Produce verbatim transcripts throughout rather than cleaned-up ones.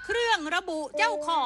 เครื่องระบุเจ้าของ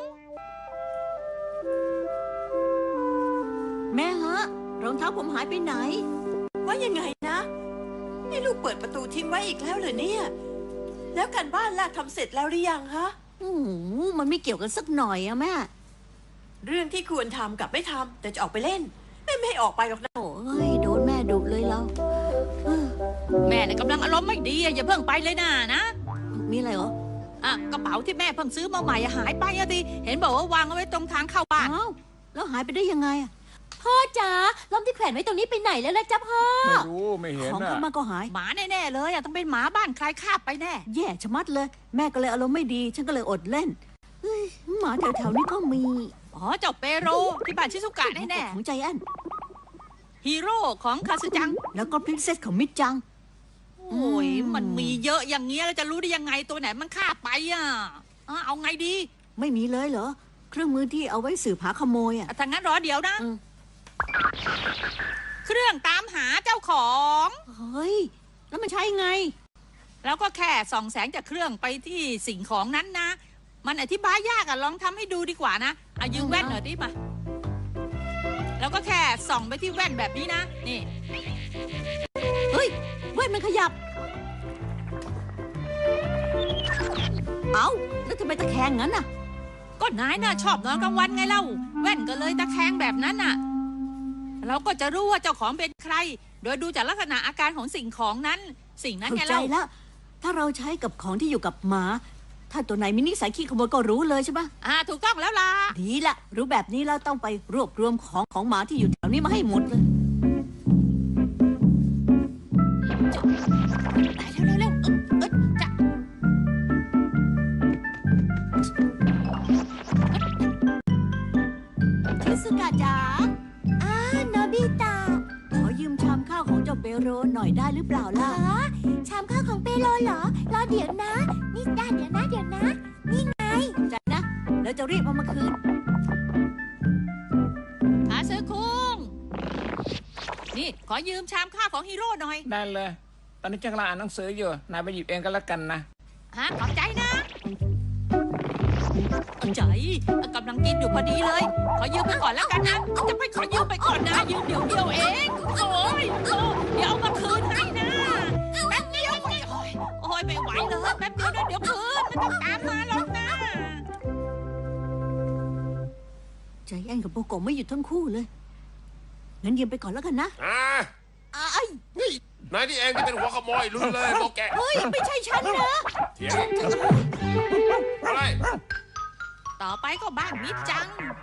แม่ฮะรองเท้าผมหายไปไหนว่ายังไงนะนี่ลูกเปิดประตูทิ้งไว้อีกแล้วเหรอเนี่ยแล้วการบ้านล่ะทำเสร็จแล้วหรือยังฮะโอ้โหมันไม่เกี่ยวกันสักหน่อยอะแม่เรื่องที่ควรทำกับไม่ทำแต่จะออกไปเล่นแม่ไม่ให้ออกไปหรอกนะโอ้ยโดนแม่ดุเลยเราแม่เนี่ยกำลังอารมณ์ไม่ดีอย่าเพิ่งไปเลยนะนะมีอะไรเหรออ่ะกระเป๋าที่แม่เพิ่งซื้อมาใหม่หายไปอะดิเห็นบอกว่าวางเอาไว้ตรงทางเข้าบ้านอ้าวแล้วหายไปได้ยังไงอะพ่อจ๋าล่มที่แขวนไว้ตรงนี้ไปไหนแล้วล่ะจ๊ะพ่อไม่รู้ไม่เห็นของอ่ะมันก็หายหมาแน่ๆเลยอ่ะต้องเป็นหมาบ้านใครคาบไปแน่แย่ชะมัดเลยแม่ก็เลยอารมณ์ไม่ดีฉันก็เลยอดเล่นเฮ้ยหมาแถวๆนี้ก็มีอ๋อเจ้าเปโรที่บ้านชิซุกะแน่ๆของใจแอนฮีโร่ของคาสึจังแล้วก็พรินเซสของมิดจังโอ้ยมันมีเยอะอย่างเงี้ยแล้วจะรู้ได้ยังไงตัวไหนมันคาบไปอ่ะเอาไงดีไม่มีเลยเหรอเครื่องมือที่เอาไว้สืบหาขโมยอ่ะถ้างั้นรอเดี๋ยวนะเครื่องตามหาเจ้าของเฮ้ยแล้วมันใช้ไงแล้วก็แค่ส่องแสงจากเครื่องไปที่สิ่งของนั้นนะมันอธิบายยากอะลองทำให้ดูดีกว่านะเอายืมแว่นหน่อยดิมาแล้วก็แค่ส่องไปที่แว่นแบบนี้นะนี่เฮ้ยแว่นมันขยับเอ้าแล้วทำไมตะแคงงั้นน่ะก็นายน่ะชอบนอนกลางวันไงเล่าแว่นก็เลยตะแคงแบบนั้นน่ะเราก็จะรู้ว่าเจ้าของเป็นใครโดยดูจากลักษณะอาการของสิ่งของนั้นสิ่งนั้นไงเล่าเข้าใจแล้วถ้าเราใช้กับของที่อยู่กับหมาถ้าตัวไหนมีนิสัยขี้ขโมยก็รู้เลยใช่ปะอ่าถูกต้องแล้วล่ะดีละรู้แบบนี้เราต้องไปรวบรวมของของหมาที่อยู่แถวนี้มาให้หมดเลยเร็วเร็วเออจะชิซุกะจ๋าอ้าโนบิตะขอยืมชามข้าวของเจ้าเปโรหน่อยได้หรือเปล่าล่ะชามข้าวของเปโรเหรอรอเดี๋ยวนะนี่ได้เดี๋ยวนะเดี๋ยวนะนี่ไงใจนะแล้วจะรีบเอามาคืนหาซื้อคุ้งนี่ขอยืมชามข้าวของฮีโร่หน่อยได้เลยตอนนี้กำลังอ่านหนังสืออยู่นายไปหยิบเองก็แล้วกันนะฮะขอบใจนะใจกำลังกินอยู่พอดีเลยขอยืมไปก่อนแล้วกันนะจะไปขอยืมไปก่อนนะยืมเดี๋ยวเดียวเองโอ้ยโอ้เดี๋ยวเอามาคืนให้นะแป๊บเดียวโอ้ยโอ้ยไม่ไหวเลยแป๊บเดียวนะเดี๋ยวคืนไม่ต้องตามมาหรอกนะใจแอนกับโบโกะไม่หยุดทั้งคู่เลยงั้นยืมไปก่อนแล้วกันนะอ่าไอ้นี่นายที่เองที่เป็นหัวขโมยรู้เลยโบแกเฮ้ยไม่ใช่ฉันนะเถียงอะไรต่อไปก็บ้านมิดจัง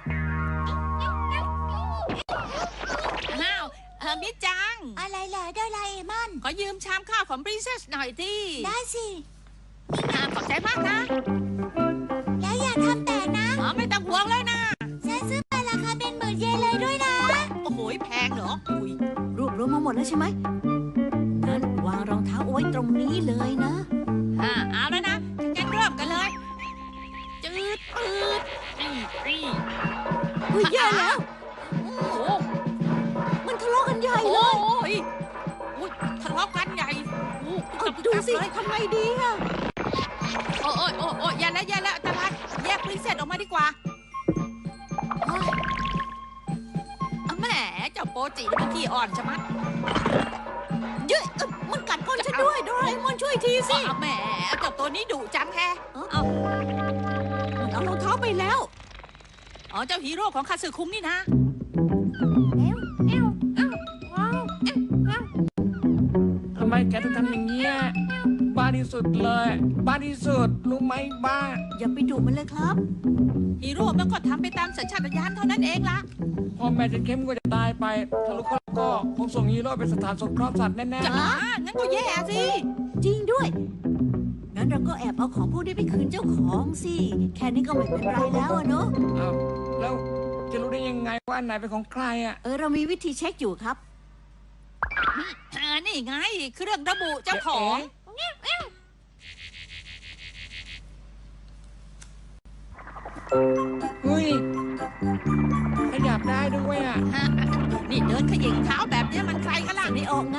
อ้าวเออมิดจังอะไรเหรอโดราเอมอนขอยืมชามข้าวของปรินเซสหน่อยที่ได้สินี่นะขอบใจมากนะแล้วอย่าทำแต่นะอ๋อไม่ต้องห่วงเลยนะฉันซื้อมาราคาเป็นหมื่นเยนเลยด้วยนะโอ้โหแพงเหรออุ้ยรวบรวมมาหมดแล้วใช่ไหมงั้นวางรองเท้าเอาไว้ตรงนี้เลยนะอ่าเอาแล้วนะงั้นเริ่มกันเลยจืดปืดนี่นี่เฮ้ยแย่แล้วโอ้โหมันทะเลาะกันใหญ่เลยโอ้ยอุ้ยทะเลาะกันใหญ่โอ้ดูสิทำไงดีอะโอ้ยโอ้ยโอ้ยอย่าแล้วอย่าแล้วตาลัดแยกปรินเซสออกมาดีกว่าแหมเจ้าโปจินี่มันขี้อ่อนใช่ไหมเย้ยมันกัดก้นฉันด้วยโดราเอมอนช่วยทีสิแหมเจ้าตัวนี้ดุจังแฮะเอาเอารองเท้าไปแล้วอ๋อเจ้าฮีโร่ของคาสึคุงนี่นะเอ้วเอ้วเอ้วว้าวเอ้วเอ้วทำไมแกถึงทำอย่างเงี้ยบ้าที่สุดเลยบ้าที่สุดรู้ไหมบ้าอย่าไปดุมันเลยครับฮีโร่มันก็ทำไปตามสัญชาตญาณเท่านั้นเองล่ะพ่อแม่จะเข้มก็จะตายไปถ้าลูกก็คงส่งฮีโร่ไปสถานสงเคราะห์สัตว์แน่ๆจ้างั้นก็แย่สิจริงด้วยงั้นเราก็แอบเอาของพวกนี้ไปคืนเจ้าของสิแค่นี้ก็ไม่เป็นไรแล้วอะเนาะอ้าวแล้วจะรู้ได้ยังไงว่าอันไหนเป็นของใครอ่ะเออเรามีวิธีเช็คอยู่ครับนี่ไงเครื่องระบุเจ้าของเฮ้ยขยับได้ด้วยอ่ะนี่เดินขยิงเท้าแบบนี้มันใครกันล่ะไม่ออกไง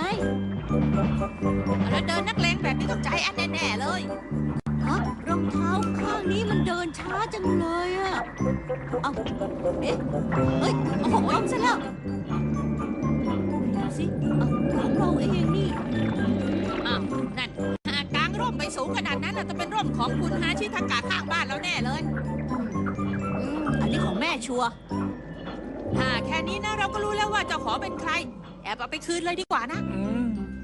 แล้วเดินนักเลงแบบนี้ต้องใจแอนแน่ๆเลยฮะรองเท้าข้างนี้เดินช้าจังเลยอะเอาเอ๊ะเฮ้ยเอาของล้มซะแล้วไหนดูสิเอาของเราเองนี่อ้าวนั่นหากกางร่มไปสูงขนาดนั้นน่ะต้องเป็นร่มของคุณฮาชิทากะข้างบ้านเราแน่เลยอืมอันนี้ของแม่ชัวร์ถ้าแค่นี้นะเราก็รู้แล้วว่าเจ้าของเป็นใคร แอบเอาไปคืนเลยดีกว่านะอืม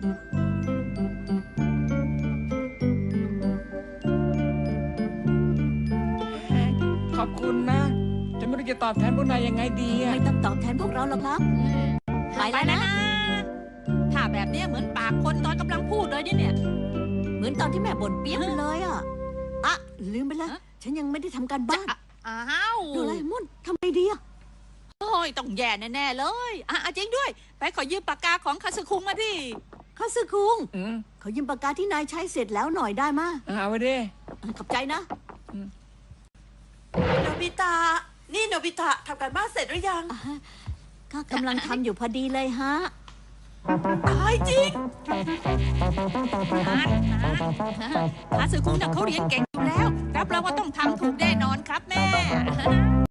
ขอบคุณนะ จะไม่รู้จะตอบแทนพวกนายยังไงดีอะไม่ต้องตอบแทนพวกเราหรอกครับ ไปแล้วนะถ้าแบบเนี้ยเหมือนปากคนตอนกำลังพูดเลยเนี่ยเหมือนตอนที่แม่บ่นเปี้ยนเลยอ่ะอะลืมไปแล้วฮะฉันยังไม่ได้ทำการบ้านอ้าวโดราเอมอนทำไงดีอ่ะโอ้ยต้องแย่แน่ๆเลยอ่ะอ่ะจริงด้วย ไปขอยืมปากกาของคาสึคุงมาดิคาซึคุงอืมขอยืมปากกาที่นายใช้เสร็จแล้วหน่อยได้มาเอาไปดิขอบใจนะโนบิตะ นี่โนบิตะทำการบ้านเสร็จหรือยังก็กำลังทำอยู่พอดีเลยฮะตายจริงฮาร์ดฮาร์ดคาสึคุงน่ะเขาเรียนเก่งอยู่แล้วรับรองว่าต้องทำถูกแน่นอนครับแม่